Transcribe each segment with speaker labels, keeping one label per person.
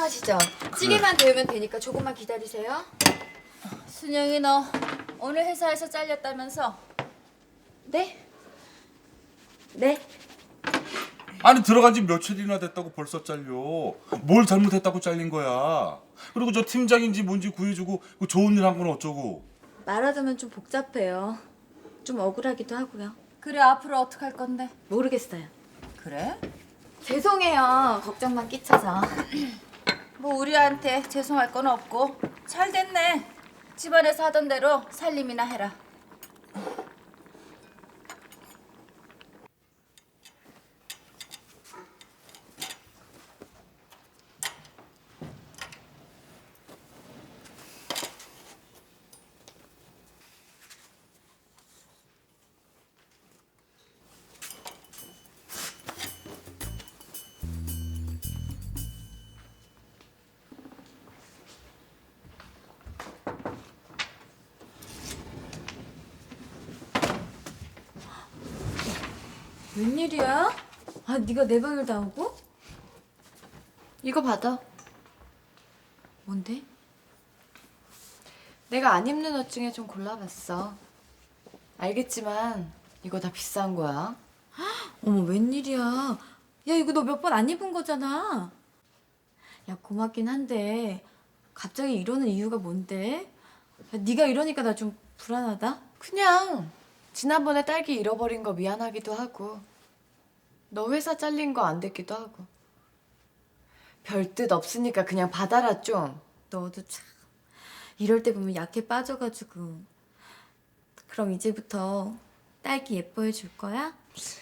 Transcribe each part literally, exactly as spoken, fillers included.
Speaker 1: 하시죠. 찌개만 데우면 되니까 조금만 기다리세요.
Speaker 2: 순영이 너 오늘 회사에서 잘렸다면서?
Speaker 1: 네? 네?
Speaker 3: 아니 들어간 지 며칠이나 됐다고 벌써 잘려. 뭘 잘못했다고 잘린 거야. 그리고 저 팀장인지 뭔지 구해주고 그 좋은 일 한 건 어쩌고.
Speaker 1: 말하자면 좀 복잡해요. 좀 억울하기도 하고요.
Speaker 2: 그래 앞으로 어떡할 건데?
Speaker 1: 모르겠어요.
Speaker 2: 그래?
Speaker 1: 죄송해요. 걱정만 끼쳐서.
Speaker 2: 뭐 우리한테 죄송할 건 없고 잘 됐네. 집안에서 하던 대로 살림이나 해라.
Speaker 1: 웬일이야? 아, 네가 내 방을 다 오고?
Speaker 4: 이거 받아.
Speaker 1: 뭔데?
Speaker 4: 내가 안 입는 옷 중에 좀 골라봤어. 알겠지만 이거 다 비싼 거야.
Speaker 1: 어머, 웬일이야. 야, 이거 너 몇 번 안 입은 거잖아. 야, 고맙긴 한데 갑자기 이러는 이유가 뭔데? 야, 네가 이러니까 나 좀 불안하다.
Speaker 4: 그냥 지난번에 딸기 잃어버린 거 미안하기도 하고 너 회사 잘린 거 안 됐기도 하고 별 뜻 없으니까 그냥 받아라 좀.
Speaker 1: 너도 참 이럴 때 보면 약해 빠져가지고. 그럼 이제부터 딸기 예뻐해 줄 거야?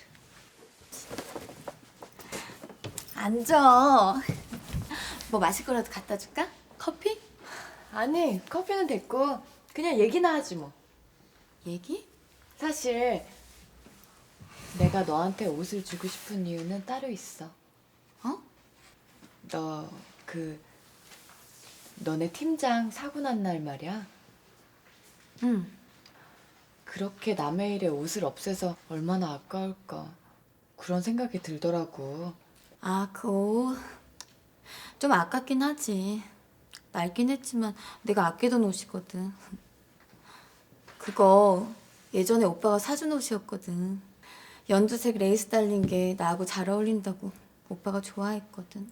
Speaker 1: 앉아. 뭐 마실 거라도 갖다 줄까? 커피?
Speaker 4: 아니 커피는 됐고 그냥 얘기나 하지 뭐.
Speaker 1: 얘기?
Speaker 4: 사실 내가 너한테 옷을 주고 싶은 이유는 따로 있어.
Speaker 1: 어?
Speaker 4: 너 그 너네 팀장 사고 난 날 말이야.
Speaker 1: 응.
Speaker 4: 그렇게 남의 일에 옷을 없애서 얼마나 아까울까 그런 생각이 들더라고.
Speaker 1: 아, 그 옷. 좀 아깝긴 하지. 낡긴 했지만 내가 아끼던 옷이거든. 그거 예전에 오빠가 사준 옷이었거든. 연두색 레이스 달린 게 나하고 잘 어울린다고 오빠가 좋아했거든.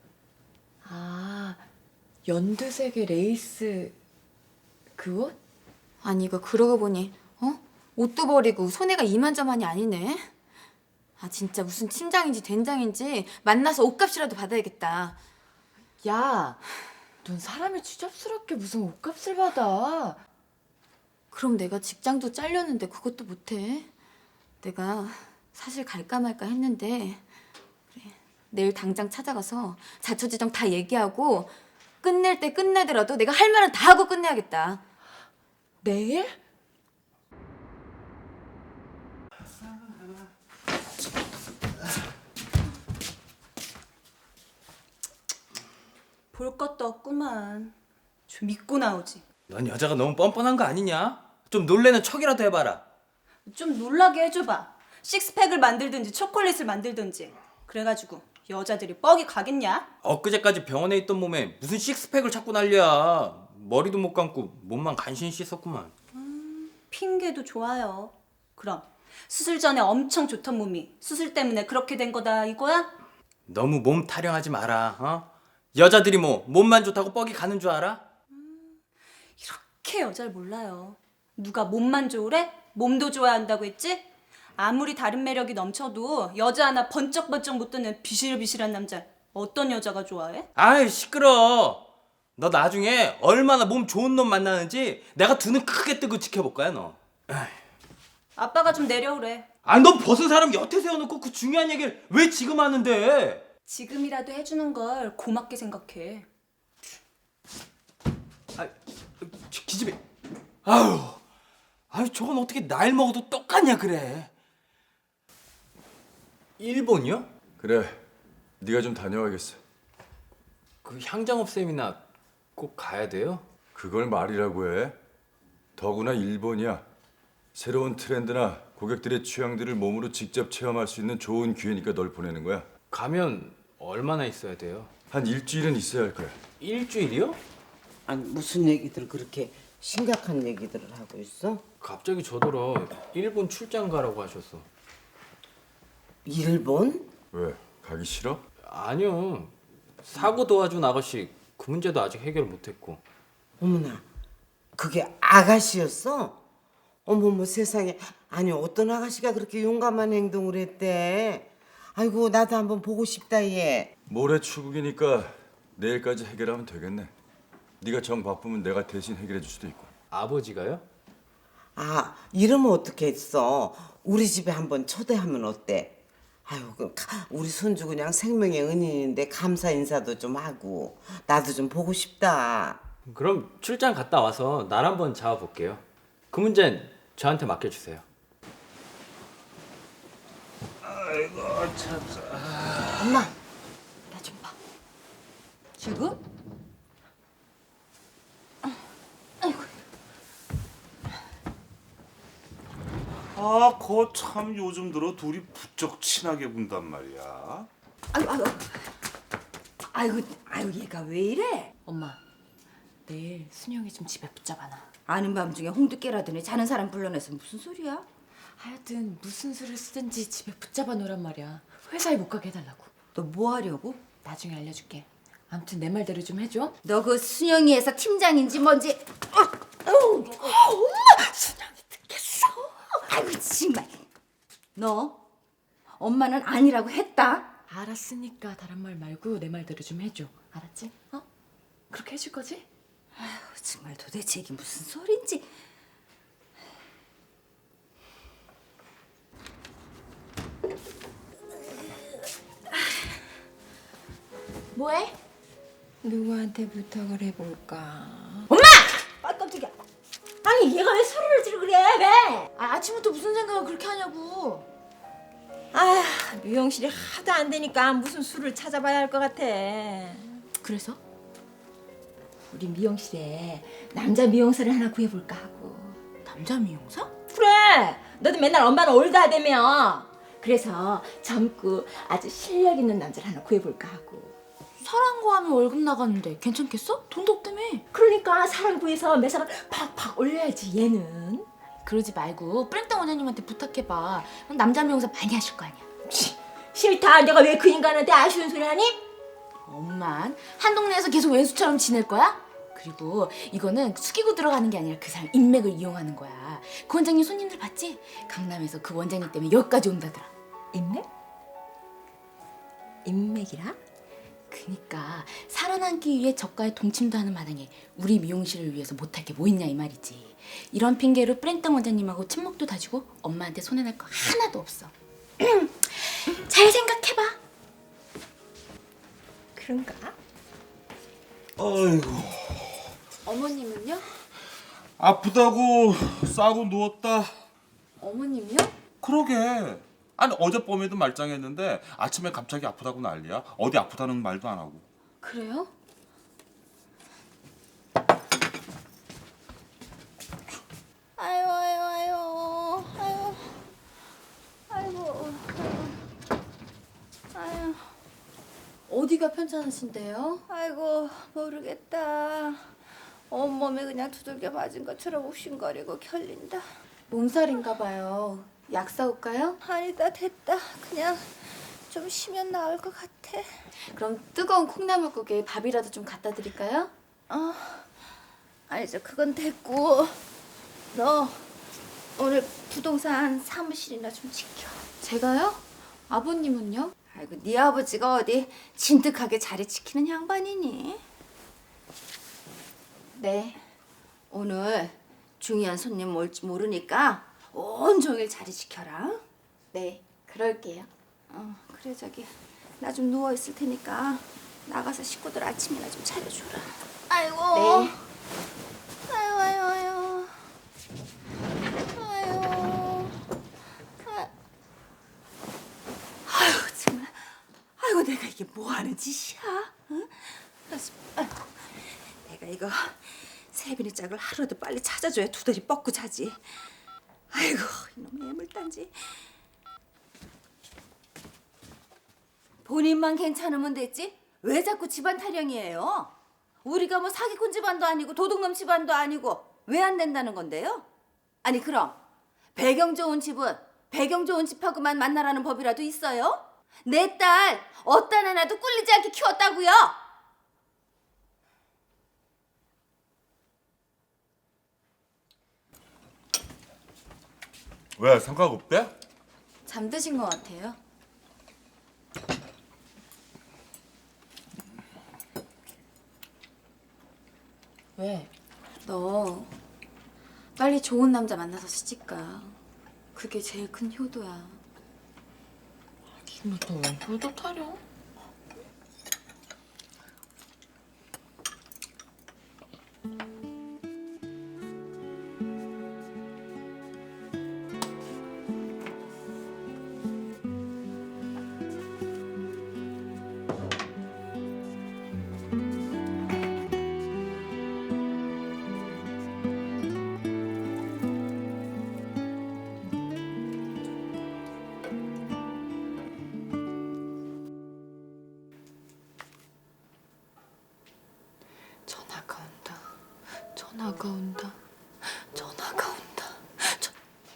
Speaker 4: 아, 연두색의 레이스 그 옷?
Speaker 1: 아니, 이거 그러고 보니 어? 옷도 버리고 손해가 이만저만이 아니네. 아, 진짜 무슨 팀장인지 된장인지 만나서 옷값이라도 받아야겠다.
Speaker 4: 야, 넌 사람이 추잡스럽게 무슨 옷값을 받아.
Speaker 1: 그럼 내가 직장도 잘렸는데 그것도 못해. 내가 사실 갈까 말까 했는데 그래, 내일 당장 찾아가서 자초지종 다 얘기하고 끝낼 때 끝내더라도 내가 할 말은 다 하고 끝내야겠다.
Speaker 4: 내일?
Speaker 5: 볼 것도 없구만. 좀 믿고 나오지.
Speaker 6: 넌 여자가 너무 뻔뻔한 거 아니냐? 좀 놀래는 척이라도 해봐라.
Speaker 5: 좀 놀라게 해줘봐. 식스팩을 만들든지 초콜릿을 만들든지. 그래가지고 여자들이 뻑이 가겠냐?
Speaker 6: 엊그제까지 병원에 있던 몸에 무슨 식스팩을 찾고 난리야. 머리도 못 감고 몸만 간신히 씻었구만.
Speaker 5: 핑계도 좋아요. 그럼 수술 전에 엄청 좋던 몸이 수술 때문에 그렇게 된 거다 이거야?
Speaker 6: 너무 몸 타령하지 마라. 어? 여자들이 뭐 몸만 좋다고 뻑이 가는 줄 알아?
Speaker 5: 이렇게 여자를 몰라요. 누가 몸만 좋으래? 몸도 좋아야 한다고 했지? 아무리 다른 매력이 넘쳐도 여자 하나 번쩍번쩍 못 드는 비실비실한 남자 어떤 여자가 좋아해?
Speaker 6: 아이 시끄러. 너 나중에 얼마나 몸 좋은 놈 만나는지 내가 두 눈 크게 뜨고 지켜볼 거야 너.
Speaker 5: 아빠가 좀 내려오래.
Speaker 6: 아니 넌 벗은 사람 여태 세워놓고 그 중요한 얘기를 왜 지금 하는데?
Speaker 5: 지금이라도 해주는 걸 고맙게 생각해.
Speaker 6: 아, 기- 기집애. 아유, 아유 저건 어떻게 나이 먹어도 똑같냐 그래. 일본이요?
Speaker 7: 그래, 네가 좀 다녀와야겠어.
Speaker 6: 그 향장업 세미나 꼭 가야 돼요?
Speaker 7: 그걸 말이라고 해. 더구나 일본이야. 새로운 트렌드나 고객들의 취향들을 몸으로 직접 체험할 수 있는 좋은 기회니까 널 보내는 거야.
Speaker 6: 가면 얼마나 있어야 돼요?
Speaker 7: 한 일주일은 있어야 할 거야.
Speaker 6: 일주일이요?
Speaker 8: 아니 무슨 얘기들 그렇게 심각한 얘기들을 하고 있어?
Speaker 6: 갑자기 저더러 일본 출장 가라고 하셨어.
Speaker 8: 일본?
Speaker 7: 왜? 가기 싫어?
Speaker 6: 아니요. 사고 도와준 아가씨 그 문제도 아직 해결 못했고.
Speaker 8: 어머나, 그게 아가씨였어? 어머머 세상에. 아니 어떤 아가씨가 그렇게 용감한 행동을 했대? 아이고 나도 한번 보고 싶다 얘.
Speaker 7: 모레 출국이니까 내일까지 해결하면 되겠네. 네가 정 바쁘면 내가 대신 해결해 줄 수도 있고.
Speaker 6: 아버지가요?
Speaker 8: 아 이러면 어떻게 했어? 우리 집에 한번 초대하면 어때? 아유 그 가- 우리 손주 그냥 생명의 은인인데 감사 인사도 좀 하고 나도 좀 보고 싶다.
Speaker 6: 그럼 출장 갔다 와서 날 한번 잡아볼게요. 그 문제는 저한테 맡겨주세요.
Speaker 1: 엄마, 나 좀 봐.
Speaker 2: 지금?
Speaker 3: 아, 거 참 요즘 들어 둘이 부쩍 친하게 군단 말이야.
Speaker 2: 아이고 아이고 아이고 아이고 얘가 왜 이래?
Speaker 4: 엄마, 내일 순영이 좀 집에 붙잡아놔.
Speaker 2: 아는 밤중에 홍두 깨라더니 자는 사람 불러내서 무슨 소리야?
Speaker 4: 하여튼 무슨 수를 쓰든지 집에 붙잡아 놓으란 말이야. 회사에 못 가게 해달라고.
Speaker 2: 너 뭐 하려고?
Speaker 4: 나중에 알려줄게. 아무튼 내 말대로 좀 해줘.
Speaker 2: 너 그 순영이 회사 팀장인지 뭔지 어, 어, 엄마 순영이 듣겠어. 아이고 정말 너 엄마는 아니라고 했다.
Speaker 4: 알았으니까 다른 말 말고 내 말대로 좀 해줘. 알았지? 어? 그렇게 해줄 거지?
Speaker 2: 아휴, 정말 도대체 이게 무슨 소린지.
Speaker 1: 뭐해?
Speaker 9: 누구한테 부탁을 해볼까?
Speaker 2: 아 깜짝이야. 아니 얘가 왜 소리를 지르 그래 왜?
Speaker 1: 아, 아침부터 무슨 생각을 그렇게 하냐고.
Speaker 9: 아, 미용실이 하도 안 되니까 무슨 수를 찾아봐야 할 것 같아.
Speaker 1: 그래서?
Speaker 9: 우리 미용실에 남자 미용사를 하나 구해볼까 하고.
Speaker 1: 남자 미용사?
Speaker 9: 그래, 너도 맨날 엄마는 올드하다며. 그래서 젊고 아주 실력 있는 남자를 하나 구해볼까 하고.
Speaker 1: 사랑 구하면 월급 나가는데 괜찮겠어? 돈도 없다며.
Speaker 9: 그러니까 사람 구해서 매사를 팍팍 올려야지 얘는.
Speaker 1: 그러지 말고 뿌랭땅 원장님한테 부탁해봐. 남자 미용사 많이 하실 거 아니야.
Speaker 9: 치, 싫다. 내가 왜 그 인간한테 아쉬운 소리 하니?
Speaker 1: 엄만 한 동네에서 계속 왼수처럼 지낼 거야? 그리고 이거는 숙이고 들어가는 게 아니라 그 사람 인맥을 이용하는 거야. 그 원장님 손님들 봤지? 강남에서 그 원장님 때문에 여기까지 온다더라.
Speaker 9: 인맥? 인맥이라?
Speaker 1: 그니까 살아남기 위해 저가의 동침도 하는 마당에 우리 미용실을 위해서 못할 게 뭐 있냐 이 말이지. 이런 핑계로 뿌랭땅 원장님하고 친목도 다지고 엄마한테 손해낼 거 하나도 없어. 잘 생각해봐.
Speaker 9: 그런가?
Speaker 3: 아이고,
Speaker 1: 어머님은요?
Speaker 3: 아프다고 싸고 누웠다.
Speaker 1: 어머님요?
Speaker 3: 그러게. 아니 어젯밤에도 말짱했는데 아침에 갑자기 아프다고 난리야. 어디 아프다는 말도 안 하고.
Speaker 1: 그래요?
Speaker 2: 아유 아유 아유 아유 아이고 아유
Speaker 1: 어디가 편찮으신데요?
Speaker 2: 아이고 모르겠다. 온몸에 그냥 두들겨 맞은 것처럼 욱신거리고 결린다.
Speaker 1: 몸살인가 봐요. 약 사올까요?
Speaker 2: 아니다 됐다. 그냥 좀 쉬면 나을 것 같아.
Speaker 1: 그럼 뜨거운 콩나물국에 밥이라도 좀 갖다 드릴까요?
Speaker 2: 어, 아니 저 그건 됐고 너 오늘 부동산 사무실이나 좀 지켜.
Speaker 1: 제가요? 아버님은요?
Speaker 2: 아이고 네 아버지가 어디 진득하게 자리 지키는 양반이니?
Speaker 1: 네.
Speaker 2: 오늘 중요한 손님 올지 모르니까 온종일 자리 지켜라.
Speaker 1: 네, 그럴게요.
Speaker 2: 어 그래 저기 나 좀 누워 있을 테니까 나가서 식구들 아침이나 좀 차려줘라. 아이고.
Speaker 1: 네.
Speaker 2: 아유 아유 아유. 아유. 아. 아유 정말. 아이고 내가 이게 뭐 하는 짓이야? 응? 그래서, 아이고, 내가 이거 세빈이 짝을 하루라도 빨리 찾아줘야 두더리 뻗고 자지. 아이고 이놈의 애물단지. 본인만 괜찮으면 됐지 왜 자꾸 집안 타령이에요? 우리가 뭐 사기꾼 집안도 아니고 도둑놈 집안도 아니고 왜 안 된다는 건데요? 아니 그럼 배경 좋은 집은 배경 좋은 집하고만 만나라는 법이라도 있어요? 내 딸 어떤 하나도 꿀리지 않게 키웠다고요?
Speaker 3: 왜 성과가 없대?
Speaker 1: 잠드신 것 같아요.
Speaker 4: 왜?
Speaker 1: 너 빨리 좋은 남자 만나서 시집가. 그게 제일 큰 효도야.
Speaker 4: 지금부터 왜 효도 타령? 전화가 온다. 전화가 온다. 전화가 온다. 전...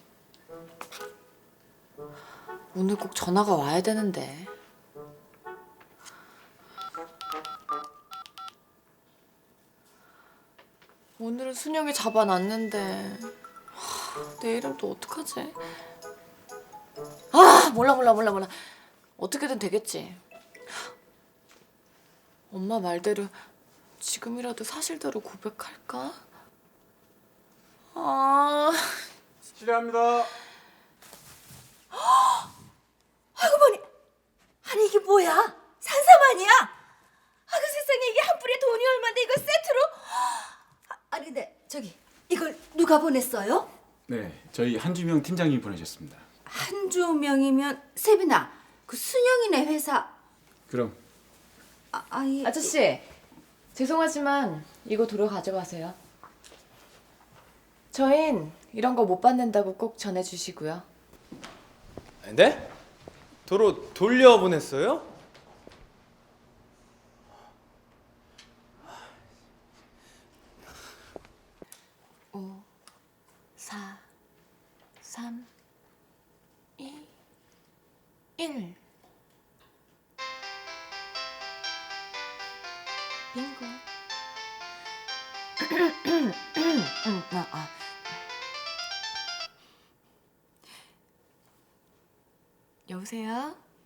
Speaker 4: 오늘 꼭 전화가 와야 되는데. 오늘은 순영이 잡아놨는데 하, 내일은 또 어떡하지? 아 몰라 몰라 몰라 몰라. 어떻게든 되겠지. 엄마 말대로 지금이라도 사실대로 고백할까? 아...
Speaker 3: 실례합니다.
Speaker 2: 아이고 머니, 아니 이게 뭐야? 산사만이야? 아그 세상에 이게 한 뿔에 돈이 얼마인데 이거 세트로? 아, 아니 근데 저기 이걸 누가 보냈어요?
Speaker 10: 네, 저희 한주명 팀장님이 보내셨습니다.
Speaker 2: 한주명이면 세빈아, 그 순영이네 회사.
Speaker 10: 그럼
Speaker 2: 아, 아이
Speaker 4: 아저씨 죄송하지만 이거 도로 가져가세요. 저흰 이런 거 못 받는다고 꼭 전해주시고요.
Speaker 6: 네? 도로 돌려보냈어요?